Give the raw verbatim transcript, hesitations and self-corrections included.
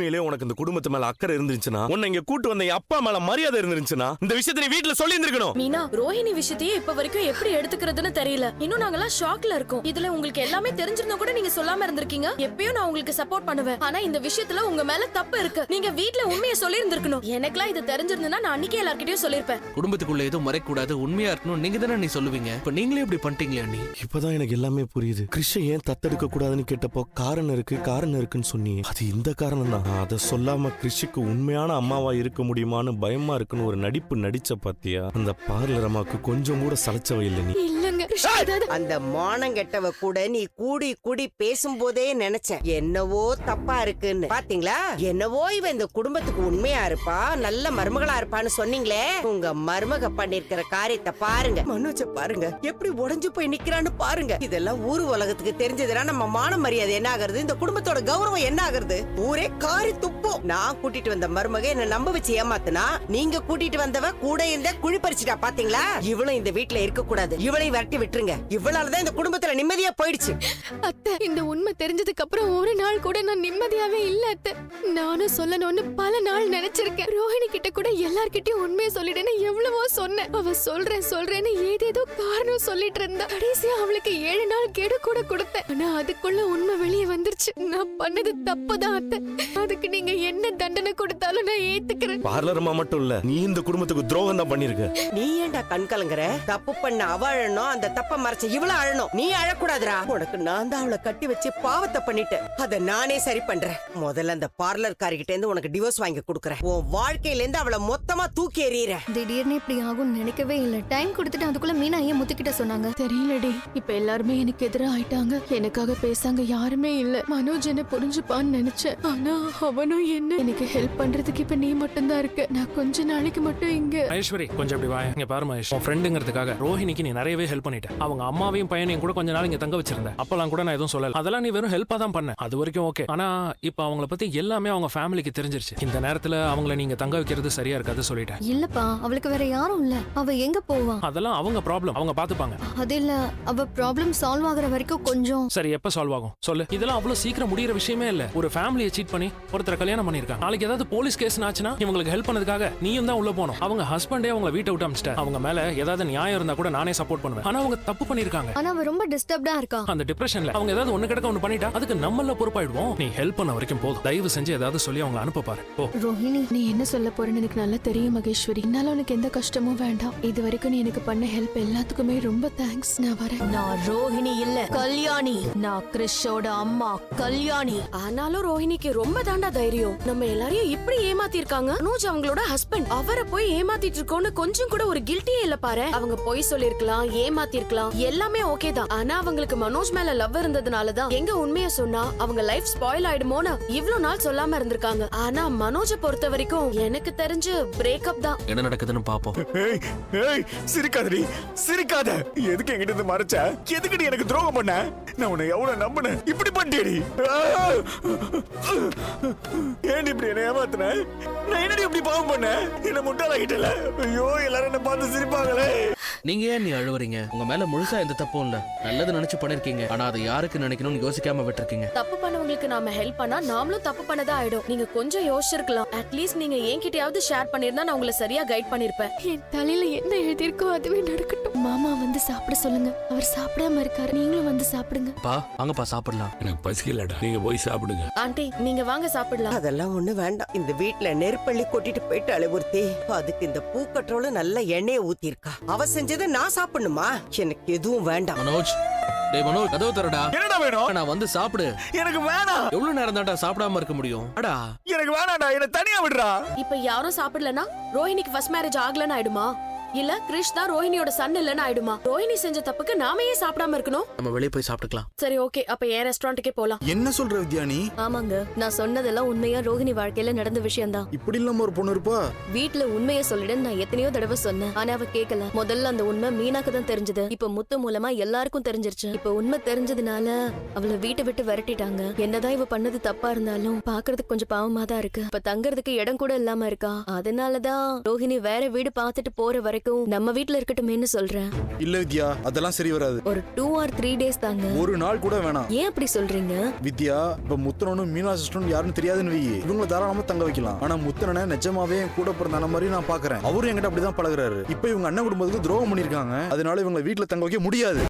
உண்மையிலே உனக்கு இந்த குடும்பத்து மேல அக்கறை இருந்துச்சுன்னா, உன்னை இங்க கூட்டு வந்த என் அப்பா மேல மரியாதை இருந்துச்சுன்னா, இந்த விஷயத்தை நீ வீட்டுல சொல்லி இருந்திருக்கணும். மீனா, ரோஹிணி விஷயத்தையே இப்ப வரைக்கும் எப்படி எடுத்துக்கிறதுன்னு தெரியல. இன்னும் நாங்கெல்லாம் ஷாக்ல இருக்கோம். இதுல உங்களுக்கு எல்லாமே தெரிஞ்சிருந்தா கூட நீங்க சொல்லாம இருந்திருக்கீங்க. எப்பயும் நான் உங்களுக்கு சப்போர்ட் பண்ணுவேன். ஆனா இந்த விஷயத்துல உங்க மேல தப்பு இருக்கு. நீங்க வீட்டுல உண்மையை சொல்லி இருந்திருக்கணும். எனக்குலாம் இது தெரிஞ்சிருந்தா நான் அன்னைக்கே எல்லார்கிட்டயும் சொல்லிருப்பேன். குடும்பத்துக்குள்ள எதுவும் மறைக்க கூடாது, உண்மையா இருக்கணும் நீங்க தானே நீ சொல்லுவீங்க. இப்ப நீங்களே இப்படி பண்ணிட்டீங்களே அண்ணி. இப்பதான் எனக்கு எல்லாமே புரியுது. கிறிஷை ஏன் தத்தெடுக்க கூடாதுன்னு கேட்டப்போ காரணம் இருக்கு காரணம் இருக்குன்னு சொன்னீங்க. அது இந்த காரணம் தான். அதை சொல்லாம கிறிஷுக்கு உண்மையான அம்மாவா இருக்க முடியுமான்னு பயமா இருக்குன்னு ஒரு நடிப்பு நடிச்ச பாத்தியா? அந்த பார்லர் அம்மாவுக்கு கொஞ்சம் கூட சளைச்சவை இல்லை நீ. அந்த மானங்கெட்டவ கூட நீ கூடி கூடி பேசும்போதே நினைச்சேன் என்னவோ தப்பா இருக்குன்னு. பாத்தீங்களா, என்னவோ இவ இந்த குடும்பத்துக்கு உண்மையா இருப்பா, நல்ல மருமகளா இருப்பான்னு சொன்னீங்களே. உங்க மருமக பண்ணிருக்கிற காரியத்தை பாருங்க. மனோஜ பாருங்க எப்படி உடைஞ்சு போய் நிக்கிறான்னு பாருங்க. இதெல்லாம் ஊரு உலகத்துக்கு தெரிஞ்சதுன்னா நம்ம மான மரியாதை என்ன ஆகுறது, இந்த குடும்பத்தோட கௌரவம் என்ன ஆகுறது? ஊரே காரி துப்போம். நான் கூட்டிட்டு வந்த மருமக என்ன நம்ப வச்சு ஏமாத்துனா, நீங்க கூட்டிட்டு வந்தவ கூட இருந்த குழி பறிச்சுட்டா. பாத்தீங்களா, இவளும் இந்த வீட்டுல இருக்க கூடாது. இவளையும் விரட்டி விட்டுருங்க. இவளாலதான் இந்த குடும்பத்துல நிம்மதியா போயிடுச்சு. அத்தை, இந்த உண்மை தெரிஞ்சதுக்கு அப்புறம் ஒரு நாள் கூட நான் நிம்மதியாவே இல்ல அத்தை. நானும் சொல்லணும்னு பல நாள் நினைச்சிருக்கேன். ரோஹிணி கிட்ட கூட எல்லார்கிட்டயும் உண்மையை சொல்லிடுன்னு எவ்வளவோ சொன்னேன். அவ சொல்றேன் சொல்றேன்னு ஏதேதோ காரணம் சொல்லிட்டு இருந்தா. கடைசியா அவளுக்கு ஏழு நாள் கெடு கூட கொடுத்தேன். ஆனா அதுக்குள்ள உண்மை வெளியே வந்துருச்சு. நான் பண்ணது தப்புதான் அத்தை. அதுக்கு நீங்க என்ன தண்டனை கொடுத்தாலும் நான் ஏத்துக்கிறேன். பார்லர் அம்மா மட்டும் இல்ல, நீ இந்த குடும்பத்துக்கு துரோகம் தான் பண்ணிருக்க. நீ ஏன்டா கண் கலங்குற? தப்பு பண்ண அவ அழணும், அந்த தப்ப மறைச்ச இவள அழணும். நீ அழக்கூடாதுடா. உனக்கு நான் தான் அவளை கட்டி வச்சு பாவத்தை பண்ணிட்டேன். அத நானே சரி பண்றேன். முதல்ல அந்த பார்லர் காரிகிட்ட இருந்து உனக்கு டிவோர்ஸ் வாங்கி கொடுக்கறேன். உன் வாழ்க்கையில இருந்து அவளை மொத்தமா தூக்கி எறியறேன். திடீர்னு இப்படி ஆகும் நினைக்கவே இல்ல. டைம் கொடுத்துட்டு அதுக்குள்ள மீனா ஏன் முத்துக்கிட்ட சொன்னாங்க தெரியலடி. இப்ப எல்லாருமே எனக்கு எதிராக ஆயிட்டாங்க. எனக்காக பேசாங்க யாருமே இல்ல. மனோஜ் என்ன புரிஞ்சுப்பான்னு நினைச்சேன். ஆனா அவனும் என்ன எனக்கு ஹெல்ப் பண்றதுக்கு இப்ப நீ மட்டும் தான் இருக்க. நான் கொஞ்ச நாளைக்கு மட்டும் இங்க. மகேஸ்வரி, கொஞ்சம் அப்படி வா. இங்க பாரு மகேஷ், உன் ஃப்ரெண்டுங்கிறதுக்காக ரோஹிணிக்கு நீ நிறையவே ஹெல்ப் பண்ணிட்ட. அவங்க அம்மாவையும் பையனையும் கூட கொஞ்ச நாள் இங்க தங்க வச்சிருந்த. அப்பெல்லாம் கூட நான் எதுவும் சொல்லல. அதெல்லாம் நீ வெறும் ஹெல்ப்பா தான் பண்ண. அது வரைக்கும் ஓகே. ஆனா இப்ப அவங்கள பத்தி எல்லாமே அவங்க ஃபேமிலிக்கு தெரிஞ்சிருச்சு. இந்த நேரத்துல அவங்கள நீங்க தங்க வைக்கிறது சரியா இருக்காது சொல்லிட்டேன். இல்லப்பா, அவளுக்கு வேற யாரும் இல்ல. அவ எங்க போவா? அதெல்லாம் அவங்க ப்ராப்ளம், அவங்க பாத்துப்பாங்க. அது இல்ல, அவ ப்ராப்ளம் சால்வ் ஆகுற வரைக்கும் கொஞ்சம். சரி, எப்ப சால்வ் ஆகும் சொல்லு. இதெல்லாம் அவ்வளவு சீக்கிரம் முடியற விஷயமே இல்ல. ஒரு ஃபேமிலியை சீட் பண்ணி ஒருத்தர கல்யாணம் பண்ணிருக்காங்க. நாளைக்கு ஏதாவது போலீஸ் கேஸ் ஆச்சுன்னா இவங்களுக்கு ஹெல்ப் பண்ணதுக்காக நீயும் தான் உள்ள போகணும். அவங்க ஹஸ்பண்டே அவங்கள வீட்டை விட்டு அமிச்சிட்டார். அவங்க மேல ஏதாவது நியாயம் இருந்தா கூட நானே சப்போர்ட் பண்ணுவேன். ஆனா அவங்க தப்பு பண்ணிருக்காங்க. ஆனா அவ ரொம்ப டிஸ்டர்ப்டா இருக்கா. அந்த டிப்ரெஷன்ல அவங்க ஏதாவது ஒண்ணு கிடக்க ஒண்ணு பண்ணிட்டா அதுக்கு நம்மள பொறுப்பாயிடுவோம். நீ ஹெல்ப் பண்ண வரைக்கும் போதும். தயவு செஞ்சு ஏதாவது சொல்லி அவங்கள அனுப்ப பாரு. ஓ ரோஹிணி, நீ என்ன சொல்ல போறேன்னு எனக்கு நல்லா தெரியும் மகேஸ்வரி. என்னால உனக்கு எந்த கஷ்டமும் வேண்டாம். இது வரைக்கும் நீ எனக்கு பண்ண ஹெல்ப் எல்லாத்துக்குமே ரொம்ப தேங்க்ஸ். நான் வரேன். நான் ரோஹிணி இல்ல, கல்யாணி. நான் கிறிஷோட அம்மா கல்யாணி. ஆனாலும் ரோஹிணிக்கு ரொம்ப தாண்டா தைரியம். நம்ம எல்லாரையும் இப்படி ஏமாத்தி இருக்காங்க. மனோஜ் அவங்களோட ஹஸ்பண்ட். அவரை போய் ஏமாத்திட்டு இருக்கோம்னு கொஞ்சம் கூட ஒரு கில்ட்டியே இல்ல பாரு. அவங்க போய் சொல்லிருக்கலாம், ஏமாத்தி இருக்கலாம், எல்லாமே ஓகே தான். ஆனா அவங்களுக்கு மனோஜ் மேல லவ் இருந்ததுனாலதான் எங்க உண்மையை சொன்னா அவங்க லைஃப் ஸ்பாயில் ஆயிடுமோன்னு இவ்ளோ நாள் சொல்லாம இருந்திருக்காங்க. ஆனா மனோஜ பொறுத்த வரைக்கும் எனக்கு தெரிஞ்சு பிரேக்கப் தான். என்ன நடக்குதுன்னு பாப்போம். ஏய் ஏய், சிரிக்காதடி, சிரிக்காத. எதுக்கு என்கிட்ட இருந்து மறைச்ச? எதுக்கு நீ எனக்கு துரோகம் பண்ண? நான் உன்னை எவ்வளவு நம்பினேன், இப்படி பண்ணிட்டேடி. ஏன் இப்படி என்ன ஏமாத்துன? நான் என்னடி இப்படி பாவம் பண்ண? என்ன முட்டாளாகிட்டல. ஐயோ, எல்லாரும் என்ன பார்த்து சிரிப்பாங்களே. நீங்க ஏன் நீ அழுவுறீங்க? உங்க மேல முழுசா எந்த தப்பும் இல்ல. நல்லது நினைச்சு பண்ணிருக்கீங்க. ஆனா அதை யாருக்கு நினைக்கணும்னு யோசிக்காம விட்டுருக்கீங்க. தப்பு பண்ணவங்களுக்கு நாம ஹெல்ப் பண்ணா நாமளும் தப்பு பண்ணதா ஆயிடும். நீங்க கொஞ்சம் யோசிச்சிருக்கலாம். அட்லீஸ்ட் நீங்க என்கிட்டயாவது ஷேர் பண்ணிருந்தா நான் உங்களை சரியா கைட் பண்ணிருப்பேன். என் தலையில என்ன எழுதிருக்கோ அதுவே நடக்கட்டும். மாமா வந்து சாப்பிட சொல்லுங்க. அவர் சாப்பிடாம இருக்காரு. நீங்களும் வந்து சாப்பிடுங்க. பா வாங்கப்பா சாப்பிடலாம். எனக்கு பசிக்கலடா, நீங்க போய் சாப்பிடுங்க. ஆண்டி, நீங்க வாங்க சாப்பிடலாம். அதெல்லாம் ஒண்ணு வேண்டாம். இந்த வீட்டுல நெருப்பள்ளி கொட்டிட்டு போயிட்டு அழுவுறுத்தி அதுக்கு இந்த பூக்கற்றோல நல்ல எண்ணெயை ஊத்தி இருக்கா. அவ செஞ்சதை நான் சாப்பிடணுமா? எனக்கு எதுவும் வேண்டாம். மனோஜ், டேய் மனோஜ், கதவு தரடா. என்னடா வேணும்? நான் வந்து சாப்பிடு. எனக்கு வேணாம். எவ்வளவு நேரம் தான்டா சாப்பிடாம இருக்க முடியும்? அடா, எனக்கு வேணாம்டா, என்ன தனியா விடுறா. இப்ப யாரும் சாப்பிடலனா ரோஹிணிக்கு ஃபர்ஸ்ட் மேரேஜ் ஆகலன்னு ஆயிடுமா? இல்ல கிறிஷ் தான் ரோஹிணியோட சன் இல்லன்னு ஆயிடுமா? ரோஹிணி செஞ்ச தப்புக்கு நாம ஏன் சாப்பிடாம இருக்கணும்? நம்ம வெளிய போய் சாப்பிட்டுக்கலாம். சரி ஓகே, அப்ப என் ரெஸ்டாரண்ட்டுக்கே போலாம். என்ன சொல்ற வித்யானி? ஆமாங்க, நான் சொன்னதெல்லாம் உண்மையா ரோஹிணி வாழ்க்கையில நடந்த விஷயம் தான். இப்படி இல்லாம ஒரு பொண்ணு இருப்பா? வீட்டுல உண்மையை சொல்லிட நான் எத்தனையோ தடவை சொன்னேன். ஆனா அவ கேட்கல. முதல்ல அந்த உண்மை மீனாக்கு தான் தெரிஞ்சது. இப்ப முத்து மூலமா எல்லாருக்கும் தெரிஞ்சிருச்சு. இப்ப உண்மை தெரிஞ்சதுனால அவளை வீட்டை விட்டு விரட்டிட்டாங்க. என்னதான் இவ பண்ணது தப்பா இருந்தாலும் பாக்குறதுக்கு கொஞ்சம் பாவமா தான் இருக்கு. இப்ப தங்கறதுக்கு இடம் கூட இல்லாம இருக்கா. அதனாலதான் ரோஹிணி வேற வீடு பாத்துட்டு போற வரைக்கும் வரைக்கும் நம்ம வீட்ல இருக்கட்டுமேன்னு சொல்றேன். இல்ல வித்யா, அதெல்லாம் சரி வராது. ஒரு டூ ஆர் த்ரீ டேஸ் தாங்க. ஒரு நாள் கூட வேணாம். ஏன் அப்படி சொல்றீங்க? வித்யா, இப்ப முத்தனனும் மீனா சிஸ்டரும் யாருன்னு தெரியாதுன்னு வை, இவங்களை தாராளமா தங்க வைக்கலாம். ஆனா முத்தனனை நிஜமாவே என் கூட பிறந்த மாதிரி நான் பாக்குறேன். அவரும் என்கிட்ட அப்படிதான் பழகுறாரு. இப்ப இவங்க அண்ணன் குடும்பத்துக்கு துரோகம் பண்ணிருக்காங்க. அதனால இவங்க வீட்டுல தங்க வைக்க முடியாது.